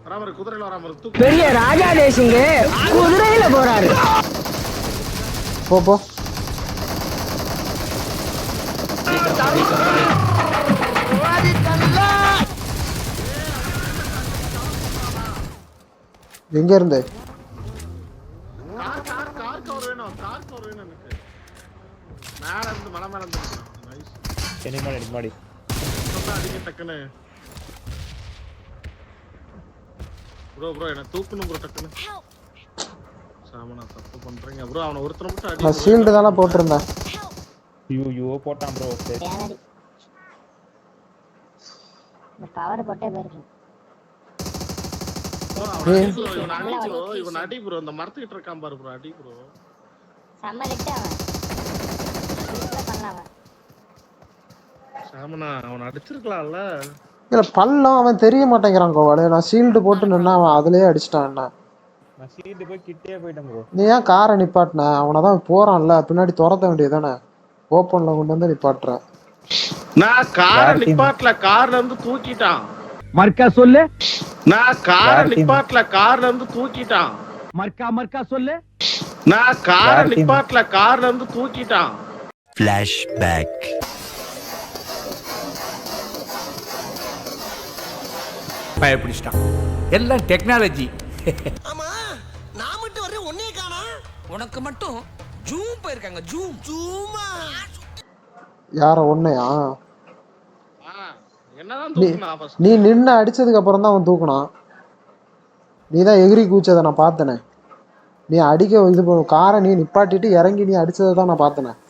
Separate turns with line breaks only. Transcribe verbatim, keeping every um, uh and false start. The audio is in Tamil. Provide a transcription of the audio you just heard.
குதிரையில வராம
பெரிய ராஜா தேசிங்க குதிரையில போறாரு.
போ போ. எங்க இருந்து?
கார் கார் கார் கவர் வேணும். கார் கவர் வேணும் எனக்கு. மேல இருந்து மலை மேல இருந்து. நைஸ்.
எனி மாடி எனி மாடி.
சொன்னா அடிங்க டக்குனு. ப்ரோ ப்ரோ என்ன தூக்கணும் ப்ரோ டக்குனு. சாமனா தப்பு பண்றீங்க ப்ரோ. அவன ஒருத்தர மட்டும் அடி.
நான் ஷீல்ட் தான போட்டுறேன்.
யூ யூ போட்டான் ப்ரோ.
இந்த பவர் போட்டே போயிருக்கு.
இவன் அடி ப்ரோ. இவன் அடி ப்ரோ. இந்த மரத்துக்கிட்ட இருக்கான் பாரு ப்ரோ. அடி ப்ரோ.
சம்மலிட்டு அவன். சூப்பரா பண்ணான்.
சாமனா அவன் அடிச்சிருக்கலாம்ல.
இல்ல பல்லம் அவன் தெரிய மாட்டேங்கிறான் கோவால. நான் ஷீல்டு போட்டு நின்னா அவன் அதுலயே அடிச்சிட்டான் என்ன.
நான் ஷீல்ட் போய் கிட்டே போய்ட்டேன் ப்ரோ.
நீ ஏன் காரை நிப்பாட்டின? அவனதான் போறான்ல பின்னாடி துரத்த வேண்டியதானே. ஓப்பன்ல கொண்டு வந்து நிப்பாட்டுற.
நான் காரை நிப்பாட்டல. கார்ல இருந்து தூக்கிட்டான்.
மர்க்கா சொல்லு.
நான் காரை நிப்பாட்டல. கார்ல இருந்து தூக்கிட்டான்.
மர்க்கா மர்க்கா சொல்லு.
நான் காரை நிப்பாட்டல. கார்ல இருந்து தூக்கிட்டான்.
ஃபிளாஷ்பேக். பயப்பிடிச்சிட்டான். எல்லாம் டெக்னாலஜி.
ஆமா நான் மட்டும் வரே ஒண்ணே காணா. உனக்கு மட்டும் ஜூம் போயிருக்காங்க. ஜூம் ஜூமா.
யார ஒண்ணையா?
என்னதான் தூக்குனா ஃபர்ஸ்ட்.
நீ நின்னு அடிச்சதுக்கு அப்புறம் தான் அவன் தூக்குனான். நீ தான் எகிரி கூச்சதை நான் பார்த்தனே. நீ அடிக்க இது காரை நீ நிப்பாட்டிட்டு இறங்கி நீ அடிச்சதை தான் நான் பார்த்தனே.